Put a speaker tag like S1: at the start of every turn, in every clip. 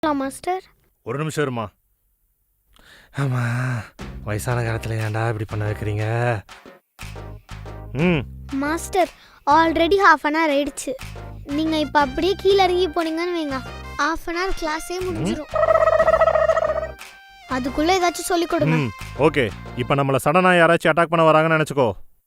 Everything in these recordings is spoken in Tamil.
S1: மாஸ்டர்
S2: ஒரு நிமிஷம் இருமா. ஆமா, வயசான காலத்துல ஏன்டா இப்படி பண்ண வைக்கிறீங்க?
S1: மாஸ்டர் ஆல்ரெடி ½ அன் ஹவர் ஆயிடுச்சு. நீங்க இப்ப அப்படியே கீழே இறங்கி போனீங்கன்னு வைங்க, ½ அன் ஹவர் கிளாஸே முடிஞ்சிடும். அதுக்குள்ள ஏதாச்சும் சொல்லி கொடுங்க.
S2: ஓகே, இப்போ நம்மள சடனா யாராச்சும் அட்டாக் பண்ண வராங்கன்னு நினைச்சுக்கோ.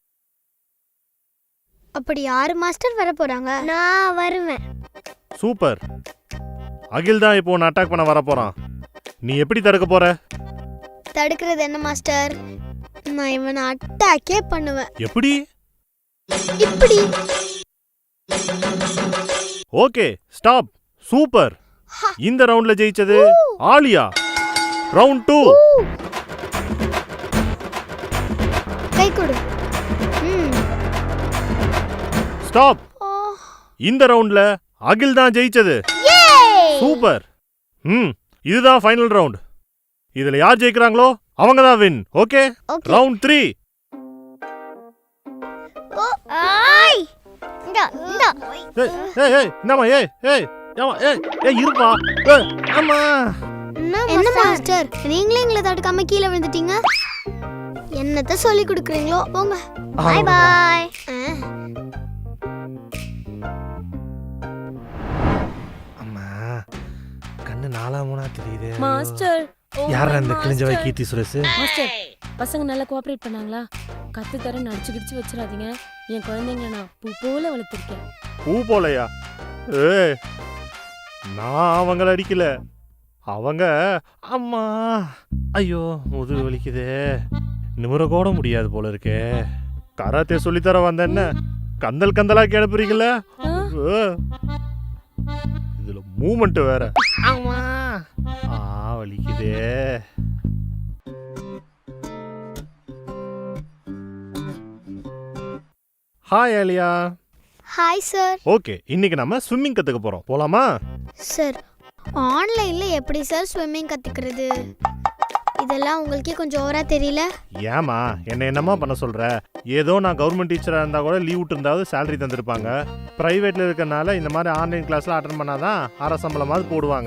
S1: அப்படி யாரு மாஸ்டர் வர போறாங்க? நான் வருவேன்.
S2: சூப்பர். அகில் தான் இப்போ உன்னை அட்டாக் பண்ண வர போறான். நீ எப்படி தடுக்க போற?
S1: தடுக்கிறது என்ன மாஸ்டர், நான் இவனை அட்டாக்கே பண்ணுவேன்.
S2: எப்படி?
S1: இப்படி.
S2: Okay, stop. சூப்பர். இந்த ரவுண்ட்ல ஜெயிச்சது ஆலியா. ரவுண்ட் 2.
S1: கை கொடு.
S2: ஸ்டாப். இந்த ரவுண்ட்ல அகில் தான் ஜெயிச்சது. சூப்பர். இதுதான் ஃபைனல் ரவுண்ட். இதுல யார் ஜெயிக்கறாங்களோ அவங்க தான் வின். Okay, round 3.
S1: ஏய்
S2: என்னம்மா? இருப்பா. அம்மா.
S1: என்ன மாஸ்டர், நீங்களே எங்களை தடுக்காம கீழே விழுந்துட்டீங்க. என்னத்த சொல்லி கொடுக்குறீங்களோ போங்க. Bye bye.
S2: அம்மா, கண்ணு 4-3 தெரியுது.
S3: மாஸ்டர்,
S2: யாரா இந்த கிழிஞ்சவை கீர்த்தி சுரேஷ்?
S3: மாஸ்டர், பசங்க நல்லா கோஆபரேட் பண்ணாங்களா? கத்து தர நடிச்சு கிடிச்சு வச்சிடாதீங்க. என் குழந்தைங்க நான் பூ போல வளர்த்திருக்கேன்.
S2: பூ போலையா? நான் அவங்கள அடிக்கல. அவங்க அம்மா. ஐயோ, முதுகு வலிக்குதே. நிமிர கூட முடியாது போல இருக்கே. கராத்தே சொல்லித்தர வந்த என்ன கந்தல் கந்தலா கிளப்புறீங்கள? இதுல மூமெண்ட் வேற. அம்மா வலிக்குதே. Hi Aaliya.
S1: Hi sir.
S2: Okay, இன்னைக்கு நம்ம ஸ்விம்மிங் கத்துக்க போறோம். போலாமா?
S1: சார், ஆன்லைன்ல எப்படி சார் ஸ்விம்மிங் கத்துக்கிறது? இதெல்லாம் உங்களுக்கே கொஞ்சம் ஓவரா தெரியல?
S2: ஏமா என்னமா பண்ண சொல்ற? ஏதோ நான் கவர்மெண்ட் டீச்சரா இருந்தா கூட லீவ் விட்டு இருந்தாவது சேலரி தந்திருப்பாங்க. பிரைவேட்ல இருக்கறனால இந்த மாதிரி ஆன்லைன் கிளாஸ்ல அட்டெண்ட் பண்ணாதான் அரை சம்பளமாவது போடுவாங்க.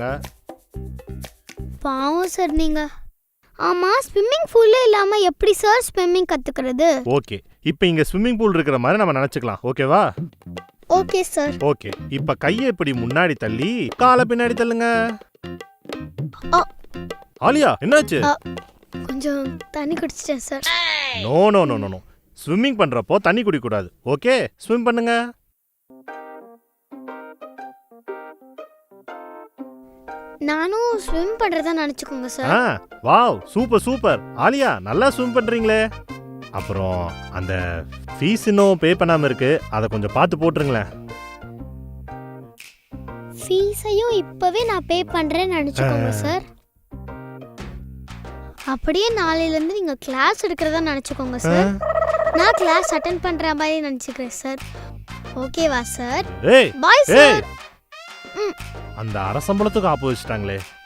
S1: பாவம் சார் நீங்க. ஆமா, ஸ்விம்மிங் பூல்ல இல்லாம எப்படி சார் ஸ்விம்மிங் கத்துக்கிறது?
S2: ஓகே, இப்போ இங்க ஸ்விம்மிங் பூல் இருக்கிற மாதிரி நம்ம நினைச்சுக்கலாம். ஓகேவா?
S1: Okay sir.
S2: ஓகே, இப்ப கையை இப்படி முன்னாடி தள்ளி காலை பின்னாடி தள்ளுங்க. ஆலியா, என்னாச்சு?
S1: கொஞ்சம் தண்ணி குடிச்சிட்டேன் sir.
S2: No no no no. Swimming பண்றப்போ தண்ணி குடிக்க கூடாது. ஓகே, ஸ்விம் பண்ணுங்க.
S1: நானும் ஸ்விம் பண்றதா நினைச்சுக்கோங்க sir.
S2: Wow, super super. Aaliya, நல்லா ஸ்விம் பண்றீங்களே. அப்புறம் அந்த ஃபீஸ் இன்னும் பே பண்ணாம இருக்கு, அதை கொஞ்சம் பார்த்து போட்டுருங்களேன்.
S1: ஃபீஸையும் இப்பவே நான் பே பண்றேன்னு நினைச்சுக்கோங்க சார். அப்படியே நாளையில இருந்து நீங்க கிளாஸ் எடுக்கிறதா நினைச்சுக்கோங்க சார். நான் கிளாஸ் அட்டெண்ட் பண்ற மாதிரி நினைச்சுக்கிறேன் சார். ஓகேவா சார்?
S2: ஏய்
S1: பாய் சார்.
S2: அந்த அரசம்பளத்துக்கு ஆப்பு வச்சுட்டாங்களே.